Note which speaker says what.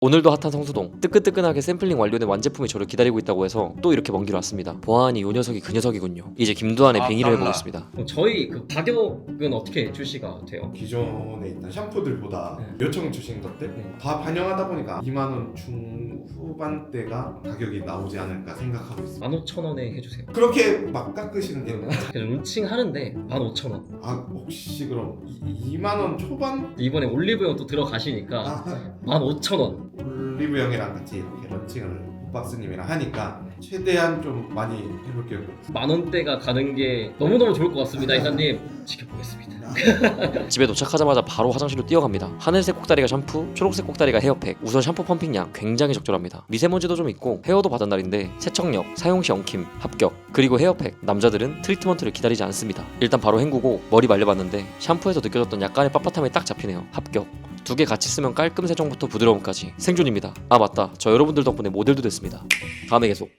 Speaker 1: 오늘도 핫한 성수동, 뜨끈뜨끈하게 샘플링 완료된 완제품이 저를 기다리고 있다고 해서 또 이렇게 먼 길 왔습니다. 보아하니 요 녀석이 그 녀석이군요. 이제 김두한의 빙의를
Speaker 2: 달라.
Speaker 1: 해보겠습니다.
Speaker 3: 그럼 저희 그 가격은 어떻게 출시가 돼요?
Speaker 2: 기존에 있던 샴푸들보다
Speaker 3: 네.
Speaker 2: 요청 주신 것들
Speaker 3: 네.
Speaker 2: 다 반영하다 보니까 2만원 중후반대가 가격이 나오지 않을까 생각하고 있습니다.
Speaker 3: 15,000원에 해주세요.
Speaker 2: 그렇게 막 깎으시는 게
Speaker 3: 그래서 론칭 하는데 15,000원.
Speaker 2: 혹시 그럼 2만원 초반?
Speaker 3: 이번에 올리브영 또 들어가시니까
Speaker 2: 아,
Speaker 3: 15,000원.
Speaker 2: 올리브영이랑 같이 이렇게 런칭을 박스님이랑 하니까 최대한 좀 많이 해볼게요.
Speaker 3: 만원대가 가는 게 너무너무 좋을 것 같습니다. 이사님 지켜보겠습니다.
Speaker 1: 집에 도착하자마자 바로 화장실로 뛰어갑니다. 하늘색 꼭다리가 샴푸, 초록색 꼭다리가 헤어팩. 우선 샴푸 펌핑량 굉장히 적절합니다. 미세먼지도 좀 있고 헤어도 받은 날인데 세척력, 사용시 엉킴, 합격. 그리고 헤어팩, 남자들은 트리트먼트를 기다리지 않습니다. 일단 바로 헹구고 머리 말려봤는데 샴푸에서 느껴졌던 약간의 빳빳함이 딱 잡히네요. 합격. 두 개 같이 쓰면 깔끔 세정부터 부드러움까지 생존입니다. 아 맞다, 저 여러분들 덕분에 모델도 됐습니다. 다음에 계속.